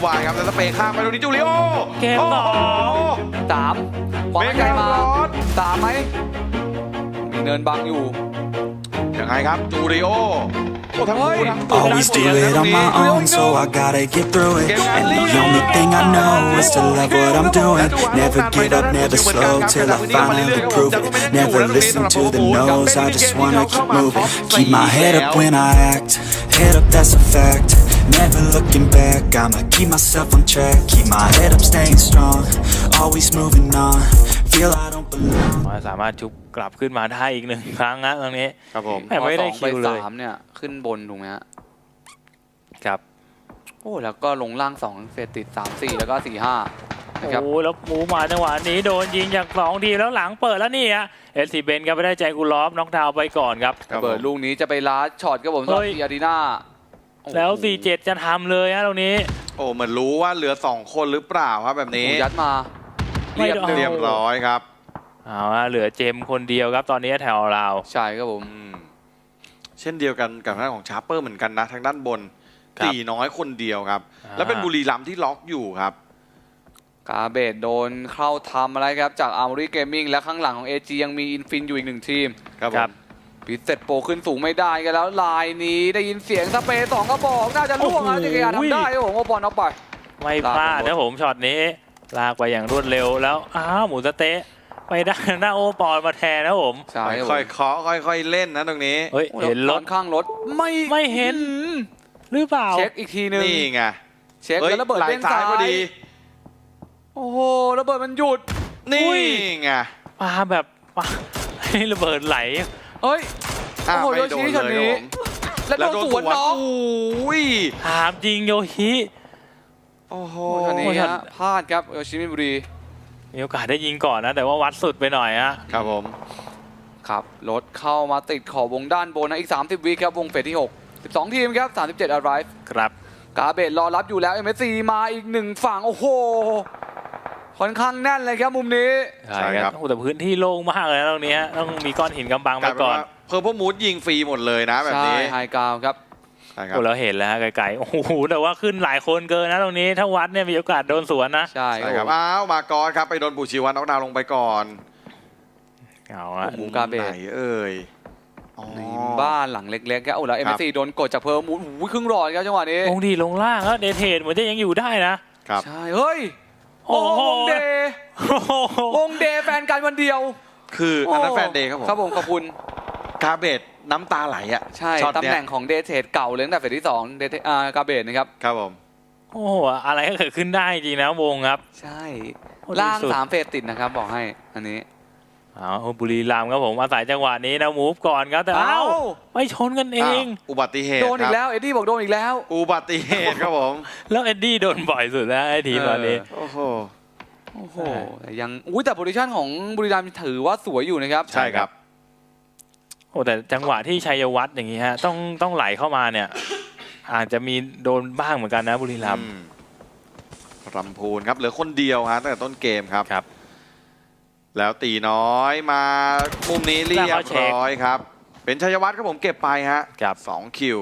วายครับแล้วสเปย์ข้ามไปตรงนี้จูริโอเกมต่อสามขวาไกลมาสามไหมมีเนินบังอยู่ยังไงครับจูริโอโอ้ทั้งคู่ทั้งตัว Always do it on my own, so I gotta get through it. And the only thing I know is to love what I'm doing. Never give up, never slow till I finally prove it. Never listen to the no's, I just wanna keep moving. Keep my head up when I act, head up, that's a fact. Never looking back, I'ma keep myself on track. Keep my head up, staying strong, always moving on. Feel I don't belong. สามารถชุบกลับขึ้นมาได้อีกหนึ่งครั้งนะตรงนี้ครับผมแต่ไม่ได้คิวเลยสามเนี่ยขึ้นบนถูกไหมฮะครับโอ้แล้วก็ลงล่าง2เฟสติด3 4แล้วก็4 5นะครับโอ้แล้วหมูมาจังหวะนี้โดนยิงจาก2 ทีแล้วหลังเปิดแล้วนี่ฮะเอสซีเบนก็ไม่ได้ใจกูลอฟน็อกดาวน์ไปก่อนครับระเบิดลูกนี้จะไปล้าช็อตครับผมเฮ้สำหรับยอารีนาแล้ว 47 จะทำเลยฮะตรงนี้โอ้เหมือนรู้ว่าเหลือ2คนหรือเปล่าครับแบบนี้ยัดมาไม่เรียบโดนเรียบร้อยครับเอาฮะเหลือเจมคนเดียวครับตอนนี้แถวเราใช่ครับผมเช่นเดียวกันกับทางด้านของชาร์เปอร์เหมือนกันนะทางด้านบนครับตีน้อยคนเดียวครับ แล้วเป็นบุรีรัมย์ที่ล็อกอยู่ครับกาเบตโดนเข้าทำอะไรครับจากอาร์มอรี่เกมมิ่งและข้างหลังของ AG ยังมีอินฟินอยู่อีก1ทีมครับผครัมบพิเศษโปรขึ้นสูงไม่ได้กันแล้วลายนี้ได้ยินเสียงสเปรย์2กระบอกน่าจะล่วงนะโอ้โหจักรยานทำได้ครับผมโอปอนเอาไปไม่พลาดนะผมช็อตนี้ลากไปอย่างรวดเร็วแล้วอ้าวหมูสะเต๊ะไปได้หน้าโอปอนมาแทนนะผมใช่ครับผค่อมยๆเคาะค่อยๆเล่นนะตรงนี้เฮ้ยโอ้เห็นรตอถข้างรถไม่เห็น หรือเปล่าเช็คอีกทีหนึงนี่ไงเช็คเฮ้ยแล้วระเบิดไหลเด้งซ้าซ้าย ยพอดีโอ้โหระเบิดมันหยุดนี่อุ้ยไงปาแบบปาให้ระเบิดไหลเฮ้ยอ่ะโอ้โหไม่โดนโยชิเลยช็อตนี้ครับผมแล้วโดนสวนน้องโอ้ยถามจริงโยฮิโอ้โหโอ้ช็อตนี้โอ้ช็อตฮะพลาดครับโยชิมิบุรีมีโอกาสได้ยิงก่อนนะ แต่ว่าวัดสุดไปหน่อยฮะครับผมครับรถเข้ามาติดขอบวงด้านบนนะอีก30วิครับวงเฟสที่6 12ทีมครับ37 arrive ครับกาเบตรอรับอยู่แล้ว MSC มาอีก1ฝั่งโอ้โหค่อนข้างแน่นเลยครับมุมนี้ใช่ครับโอ้แต่พื้นที่โล่งมากเลยนะตรงนี้ฮะต้องมีก้อนหินกำบังกไปลายเป็นก่อนว่าเพอร์พมูดยิงฟรีหมดเลยนะแบบใช่นี้ไฮกราวครับใช่ครับโอ้เราเห็นแล้วฮะไกลๆโอ้โหแต่ว่าขึ้นหลายคนเกินนะตรงนี้ถ้าวัดเนี่ยมีโอกาสโดนสวนนะใช่ใช่คครัรับบอ้าวมากอนครับไปโดนปูชีวันน็อกดาวน์ลงไปก่อนเอาฮะหมูกาเบไหนตเอ่ยอ๋อในบ้านหลังเล็กๆครับโอ้แล้ว MSC โดนกดจากเพิ่มมูดโอ้โหครึ่งหลอดครับจังหวะนี้ลงดีลงล่างแล้วเดทเทนเหมือนจะยังอยู่ได้นะครับใช่เฮ้ยโอ้โอ้โหวงเดย์โอ้โหวงเดย์แฟนกันวันเดียวคืออันนั้นแฟนเดย์ครับผมครับผมขอบคุณคาเบตน้ำตาไหลอ่ะใช่ช็อตตำเนี้แหยน่งของเดทเทรดเก่าเลยตั้งแต่เฟสที่2เดทกาเบตนะครับครับผมโอ้โหอะไรก็เกิดขึ้นได้จริงนะวงครับใช่โอ้ล่างดีสุด 3เฟสติดนะครับบอกให้อันนี้เอาบุรีรัมย์ครับผมอาศัยจังหวะนี้นะมูฟก่อนครับแต่เอ้าไม่ชนกันเองอ้าวอุบัติเหตุโดนอีคกรับแล้วเอ็ดดี้บอกโดนอีกแล้วอุบัติเหตุครับผมแล้วเอ็ดดี้โดนบ่อยสุดแล้วไอ้ทีมตอนนี้โอ้โหโอ้โหยังแต่โพซิชั่นของบุรีรัมย์ถือว่าสวยอยู่นะครับใช่ครับโอ้แต่จังหวะที่ชัยวัฒน์อย่างนี้ฮะต้องไหลเข้ามาเนี่ย อาจจะมีโดนบ้างเหมือนกันนะบุรีรัมย์รำพูนครับเหลือคนเดียวฮะตั้งแต่ต้นเกมครับครับแล้วตีน้อยมามุมนี้เรียบร้อยครับ เป็นชัยวัฒน์ครับผมเก็บไปฮะครับ 2คิว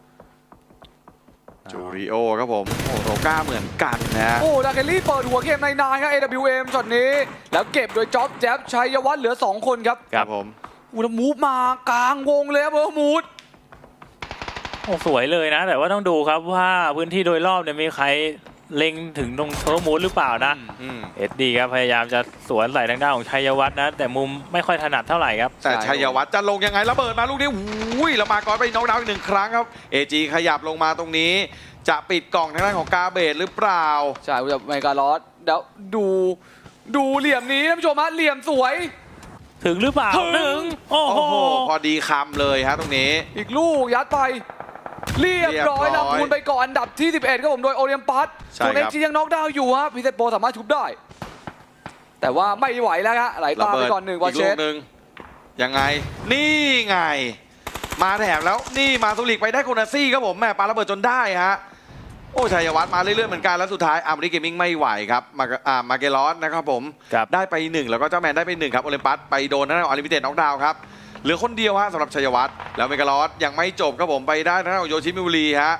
จูริโอครับผมโอ้โรก้าเหมือนกันนะโอ้ดาเกลลี่เปิดหัวเกมในนายครับ AWM ช็อตนี้ แล้วเก็บโดยจ็อบแจ๊บชัยวัฒน์เหลือ 2 คนครับครับผมอูแล้วมูฟมากลางวงเลยครับเบอร์มูดโอ้สวยเลยนะ แต่ว่าต้องดูครับว่าพื้นที่โดยรอบเนี่ยมีใครเล็งถึงตรงเทอร์มูดหรือเปล่านะอืมเอ็ดดี้ครับพยายามจะสวนใส่ทางด้านของชัยวัฒน์นะ แต่มุมไม่ค่อยถนัดเท่าไหร่ครับแต่ชัยวัฒน์จะลงยังไงระเบิดมาลูกนี้อุ้ยแล้วมาก่อนไปน็อกดาวน์อีก1 ครั้งครับเอจีขยับลงมาตรงนี้ จะปิดกล่องทางด้านของกาเบตหรือเปล่าใช่จากเมกาลอสเดี๋ยวดูเหลี่ยมนี้ท่านผู้ชมฮะเหลี่ยมสวยถึงหรือเปล่าถึงโอ้โอ้โหโหพอดีคำเลยฮะตรงนี้อีกลูกยัดไป เรียบร้อยเรียบร้อยลำพูนไปก่อนอันดับที่ 11ครับผมโดยโอเลียมปัสใช่ส่วนครัเอ็บกจียังน็อกดาวน์อยู่ฮะพิเศษโปรสามารถชุบได้ แต่ว่าไม่ไหวแล้วฮะไหลตามไปก่อน1วออีเชลูสกหนึ่งยังไง นี่ไง มาแถมแล้วนี่มาสุริกไปได้โคนาซี่ครับผมแม่ปาระเบิดจนได้ฮะโอ้ชัยวัฒน์มาเรื่อยๆเหมือนกันแล้วสุดท้ายอาร์มริเกมมิ่งไม่ไหวครับมาเกลอสนะครับผมครับได้ไป1แล้วก็เจ้าแมนได้ไป1ครับโอลิมปัสไปโดนทางด้านของอลิมิเต็ดน็อกดาวน์ครับเหลือคนเดียวฮะสำหรับชัยวัฒน์แล้วเมกาลอสยังไม่จบครับผมไปได้ทางด้านของโยชิมิบุรีฮะ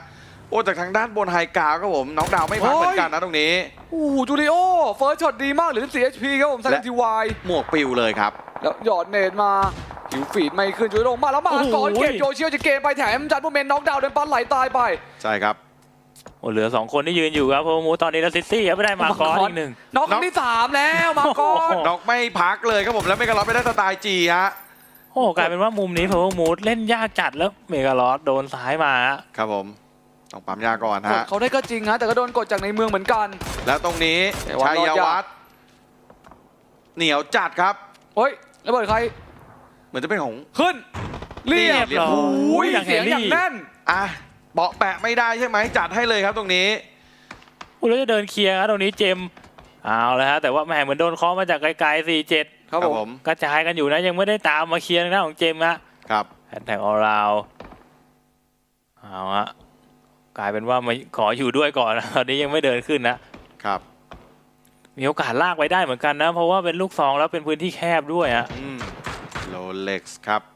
โอ้จากทางด้านบนไฮกราวครับผมน็อกดาวน์ไม่พักเหมือนกันนะตรงนี้โอ้โหจูริโอเฟิร์สช็อตดีมากเหลือ14 HP ครับผม3 TY หมวกปิวเลยครับแล้วหยอดเนตมาหิวฟีดไม่ขึ้นจูริโอมาแล้วมาก่อนเก็บโยเชียวจะเกมไปแถมจัดโมเมนต์น็อกดาวน์เดินปันไหลตายไปใช่ครับโอ้เหลือ2คนที่ยืนอยู่ครับเพราะมูตอนนี้แล้วซิตี้ครับไม่ได้มาก่อนอีกหนึ่งน็อกครั้งที่3แล้วมาก่อนน็อกไม่พักเลยครับผมแล้วเมกาลอสไปได้สไตล์จีฮะโอ้กลายเป็นว่ามุมนี้เพอร์มูดเล่นยากจัดแล้วเมกาลอสโดนซ้ายมาฮะครับผมต้องปั๊มยาก่อนกดฮะเขาได้ก็จริงฮะแต่ก็โดนกดจากในเมืองเหมือนกันแล้วตรงนี้แต่ว่าชัยวัฒน์เหนียวจัดครับเฮ้ยระเบิดใครเหมือนจะเป็นของขึ้นเรียบเรียบร้อยโอ้ยอย่างเสียงแฮร์รี่อย่างแน่นอ่ะเบาะแปะไม่ได้ใช่ไหมจัดให้เลยครับตรงนี้โอ้แล้วจะเดินเคลียร์ครับตรงนี้เจมส์เอาแล้วฮะแต่ว่าแหมเหมือนโดนเคาะมาจากไกลๆ4-7 ครับผมกระจายกันอยู่นะยังไม่ได้ตามมาเคลียร์นะของเจมส์นะครับ แฮชแท็กออราวเอาฮะกลายเป็นว่ามาขออยู่ด้วยก่อนนะตอนนี้ยังไม่เดินขึ้นนะครับ มีโอกาสลากไปได้เหมือนกันนะเพราะว่าเป็นลูกซองแล้วเป็นพื้นที่แคบด้วยฮะโรเล็กซ์ครับ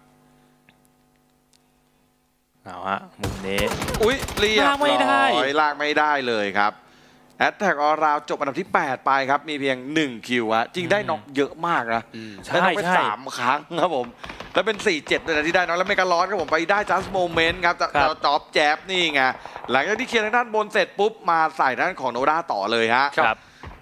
เอาฮะมุมนี้อุ้ยเรียบลากไม่ได้ร้อยลากไม่ได้เลยครับแอตแทกออราวจบอันดับที่ 8 ไปครับ มีเพียง 1 คิวฮะจริงได้น็อกเยอะมากนะ ได้น็อกไป3 ครั้งครับผม แล้วเป็น 4-7เลยนะที่ได้น็อกแล้วเมกาลอสครับผมไปได้จัสโมเมนต์ครับจะจ็อบแจ๊บนี่ไง หลังจากที่เคลียร์ทางด้านบนเสร็จปุ๊บ มาใส่ด้านของโนด้าต่อเลยฮะครับ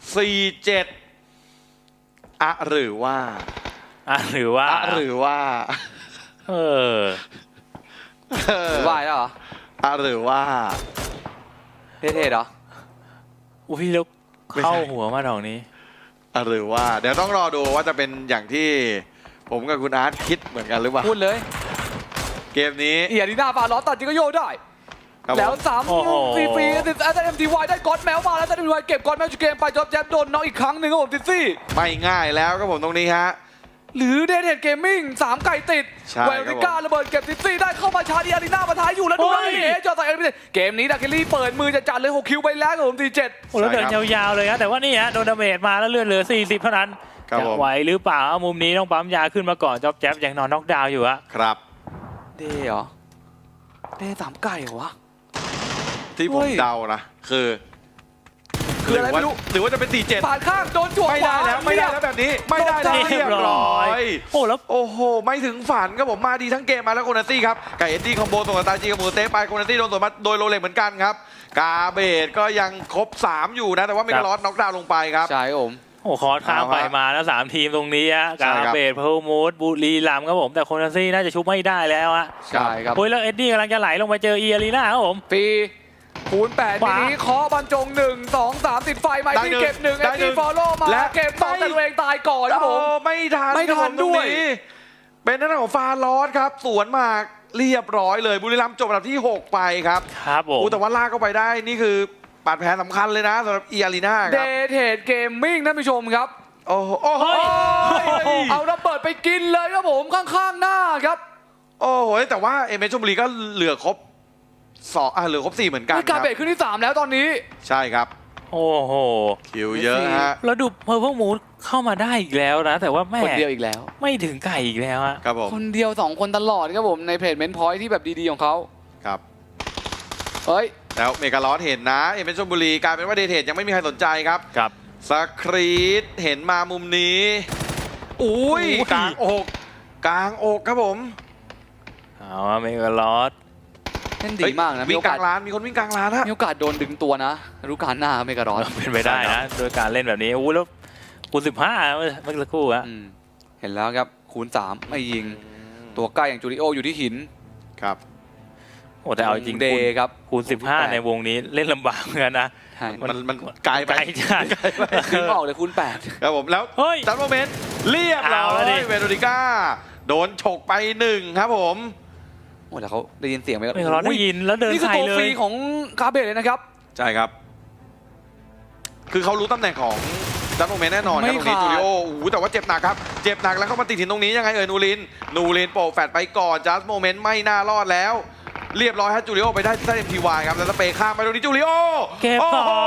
4-7อะหรือว่าหรือว่าอะหรือว่าเออวายแล้วเหรออะหรือว่าเท่ๆเหรออุ้ยแล้วเข้าหัวมาดอกนี้อะหรือว่า เดี๋ยวต้องรอดูว่าจะเป็นอย่างที่ผมกับคุณอาร์ตคิดเหมือนกันหรือเปล่าพูดเลยเกมนี้เอียดีหน้าฟาล้อตัดจิงก็โยได้ครับผมแล้วโอ้โห 3ฟรีๆติดแต่ MTY ได้ก๊อตแมวมาแล้วแต่ MTY เก็บก๊อตแมวจุเกมไปจอบแจ๊บโดนน็อกอีกครั้งหนึ่งครับผมติดซี่ไม่ง่ายแล้วครับผมตรงนี้ฮะหรือเดนเฮดเกมมิ่ง3ไก่ติดใช่เวลริก้าระเบิดเก็บติดซี่ได้เข้ามาชาร์จอารีนามาท้ายอยู่แล้วดูนะโอ้ยนี่จอใส่เกมนี้ดักเกลลี่เปิดมือจะจัดเลย6คิวไปแล้วครับผมตี7 โอ้แล้วเดินยาวๆเลยฮะแต่ว่านี่ฮะโดนดาเมจมาแล้วเลือดเหลือ40เท่านั้นครับจะผมไหวหรือเปล่าเอามุมนี้ต้องปั๊มยาขึ้นมาก่อนจ๊อบแจ๊บยังนอนน็อกดาวน์อยู่ฮะครับเดเหรอเด3ไก่เหรอวะที่ผมเฮ้ยเดานะคือคืออะไรไม่รู้หรือว่าจะเป็น4-7 ผ่านข้างโดนจั่วไม่ได้แล้วขไม่ได้เรียบแล้วแบบนี้ไม่ได้แล้วเรีเรียยบบ ร้ร้ออย ยโอ้แล้วโอ้โหไม่ถึงฝันครับผมมาดีทั้งเกมมาแล้วโคนาซี่ครับไก่เอ็ดดี้คอมโบส่งสตาร์จีกับหมูเต้ไปโคนาซี่โดนสวนมาโดยโรเล็กเหมือนกันครับกาเบตก็ยังครบ3อยู่นะแต่ว่าเมกาลอสน็อกดาวน์ลงไปครับใช่ครับผมโอ้คอร์สข้ามไปเอาฮะมาแล้ว3ทีมตรงนี้ฮะใช่กาครับเบตเพลมูดบุรีรัมย์ครับผมแต่โคนาซี่น่าจะชุบไม่ได้แล้วฮะใช่ครับโอ้ยแล้วเอ็ดดี้กำลังจะไหลลงไปเจออีอารีนาครับผมปีคูณ8 ขวาทีนี้เคาะบรรจง1 2 3ติดไฟไมได้ที่หนึ่งเก็บ1 ได้เอ็หนึ่ดีงฟอลโล่มาและเก็บ2 ไม่แต่ตัวเองตายก่อนครับผมโอ้ไม่ทันไม่ทันครับผตรงด้วยเป็นหน้าของฟาลอสครับสวนมาเรียบร้อยเลยบุรีรัมย์จบอันดับที่ 6 ไปครับครับผมโอ้แต่ว่าลากเข้าไปได้นี่คือบาดแผลสำคัญเลยนะสำหรับอีอารีนาคเดรับทเทดเกมมิ่งท่านผู้ชมครับโอ้โหโอ้โหเฮ้ยเอาระเบิดไปกินเลยครับผมข้างๆหน้าครับโอ้โหแต่ว่าเอเมชลบุรีก็เหลือครบเหลือครบ4เหมือนกันนี่คการรับเบรกขึ้นที่3แล้วตอนนี้ใช่ครับโอ้โหคิวเยอะฮะแล้วดูเพอร์เพลมูดเข้ามาได้อีกแล้วนะ แต่ว่าแม่คนเดียวอีกแล้วไม่ถึงไก่อีกแล้วฮะครับผมคนเดียว2คนตลอดครับผมในเพจเมนพอยที่แบบดีๆของเขาครับเฮ้ยแล้วเมกาลอสเห็นนะเอเมชลบุรีกลายเป็นว่าเดทเทดยังไม่มีใครสนใจครับครับสครีตเห็นมามุมนี้อุ้ยอุ้ยกลางอกกลางอกครับผมเอาว่าเมกาลอสเล่นดีมากนะวิ่งกลางร้านมีคนวิ่งกลางร้านฮะมีโอกาสโดนดึงตัวนะฤดูกาลหน้าเมการอนเป็นไปได้นะโดยการเล่นแบบนี้อู้แล้วคูณ15เมื่อสักครู่ฮะเห็นแล้วครับคูณ3ไม่ยิงตัวใกล้อย่างจูริโออยู่ที่หินครับโอ้แต่เอาจริงเดคูณย์ครับคูณ15ในวงนี้เล่นลำบากเหมือนกันนะใช่มันไกลไปไกลจัดดึงออกเลยคูณครับผมแล้วเฮ้ยจัดโมเมนต์เรียบร้อเอาแล้วดิยเวโรนิก้าโดนฉกไป1ครับผมโอ้แล้วเขาได้ยินเสียงไหมเมกาลอสได้ยินแล้วเดินนี่คือใส่ตัวเลฟรียของคาเบตเลยนะครับใช่ครับ คือเขารู้ตำแหน่งของจัดโมเมนต์แน่นอนครับตรงนี้ไม่ขาดจูริโอโอ้โหแต่ว่าเจ็บหนักครับเจ็บหนักแล้วเข้ามาติดหินตรงนี้ยังไงนูรินโปะแฟดไปก่อนจัดโมเมนต์ไม่น่ารอดแล้ว เรียบร้อยฮะจูริโอไปได้ที่ใต้ MTY ครับแล้วสเปย์ข้ามไปตรงนี้จูริโอเก็บโอ้สองโห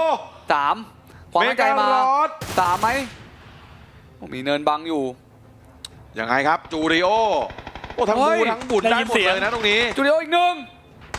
3ความเมมั่นใจกามาลอส 3ไหมมีเนินบังอยู่ยังไงครับจูริโอโอ้ทั้งเฮ้บูยทั้งบุญได้หมดเลยนะตรงนี้จูริโออีกหนึ่ง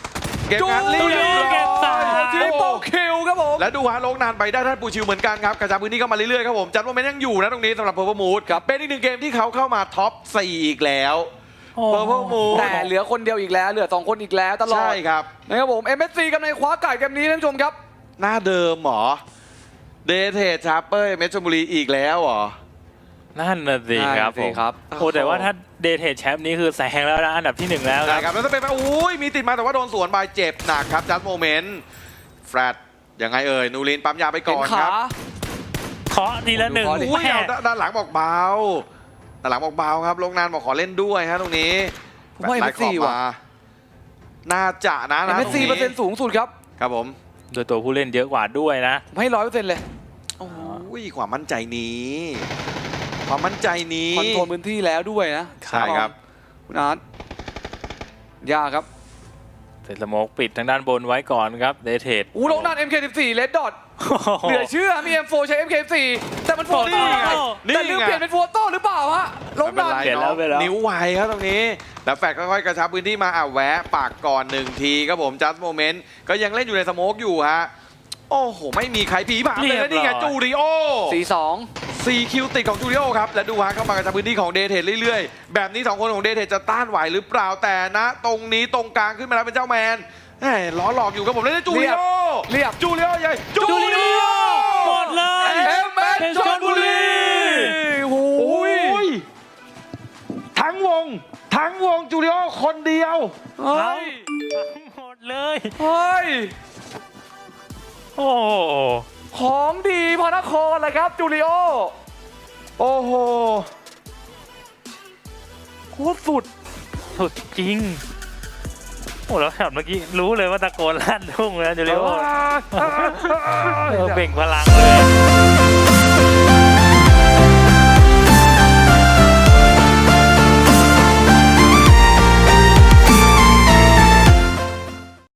เก็บงานเรียบร้อยเก็บสามทริปเปิลคิวครับผมและดูฮะลงนานไปได้ท่านปูชิวเหมือนกันครับกระจายพื้นที่เข้ามาเรื่อยๆครับผมจัดว่ามันยังอยู่นะตรงนี้สำหรับเพอร์เพมูดเป็นอีกหนึ่งเกมที่เขาเข้ามาท็อป 4 อีกแล้วโอ้เพอร์เพมูดแต่เหลือคนเดียวอีกแล้วเหลือ2คนอีกแล้วตลอดใช่ครับนะครับผม MSC กำลังคว้าไก่เกมนี้ท่านผู้ชมครับหน้าเดิมเหรอเดเทชชาร์เปอร์เมชลบุรีอีกแล้วเหรอนั่นน่ะสิครับผมครับโอ้แต่ว่าถ้าเดทเทแชมป์นี้คือแซงแล้วนะอันดับที่ 1 แล้วใช่นะครับแล้วถ้าเป็นไปอุ้ยมีติดมาแต่ว่าโดนสวนบายเจ็บหนักครับจัดโมเมนต์แฟรดยังไงเอ่ยนูรินปั๊มยาไปก่เห็อน นคขารับเคาะทีละหนึ่งดูเคาะดิอุ้ยแม่เอาด้านหลังบอกเบาด้านหลังบอกเบาครับลงนานบอกขอเล่นด้วยฮะตรงนี้ผมว่าแฟลชไลท์ขอบ MSC ว่ะมาน่าจะนะตรง MSC นี้เปอร์เซ็นต์สูงสุดครับครับผมโดยตัวผู้เล่นเยอะกว่าด้วยนะผมให้ 100%เลยโอ้ยความมั่นใจนี้ ความมั่นใจนี้คอนโทรลพื้นที่แล้วด้วยนะใช่ครับคุณอาร์ตยากครับเสร็จสโมกปิดทางด้านบนไว้ก่อนครับเดทเทอู้ลงด้าน MK14 เลดดอทเหลือเชื่อมี M4 ใช้ MK14 แต่มันโฟโต้นี่ไงแต่ลืมเปลี่ยนเป็นโฟโต้หรือเปล่าฮะลงไม่เป็นด้านไรเปลี่ยนแล้วเนาะเปลี่ยนแล้วนิ้วไวครับตรงนี้ แล้วแฟดค่อยๆกระชับพื้นที่มาแวะปากก่อน1 ทีครับผมจัสโมเมนต์ก็ยังเล่นอยู่ในสโมกอยู่ฮะโอ้โหไม่มีใครผีผามเลยนะนี่ไงจูริโอ 4-2 4 คิวติดของจูริโอครับและดูฮะเข้ามากระชับพื้นที่ของเดเทเรื่อยๆแบบนี้2 คนของเดเทจะต้านไหวหรือเปล่าแต่นะ ตรงนี้ตรงกลางขึ้นมาแล้วเป็นเจ้าแมนแหมล้อหลอกอยู่ครับผมแล้วได้จูริโอเรียบจูริโอใหญ่จูริโอหมดเลย MS ชลบุรีโอ้โอ้ยยทั้งวงจูริโอคนเดียวเฮ้ยหมดเลยเฮ้ยโอ้โหของดีพระนครเลยครับจูริโอโอ้โหโคตรสุดสุดจริงโอ้แล้วช็อตเมื่อกี้รู้เลยว่าตะโกนลั่นทุ่งแล้วจูริโอเบ่งพลังเลย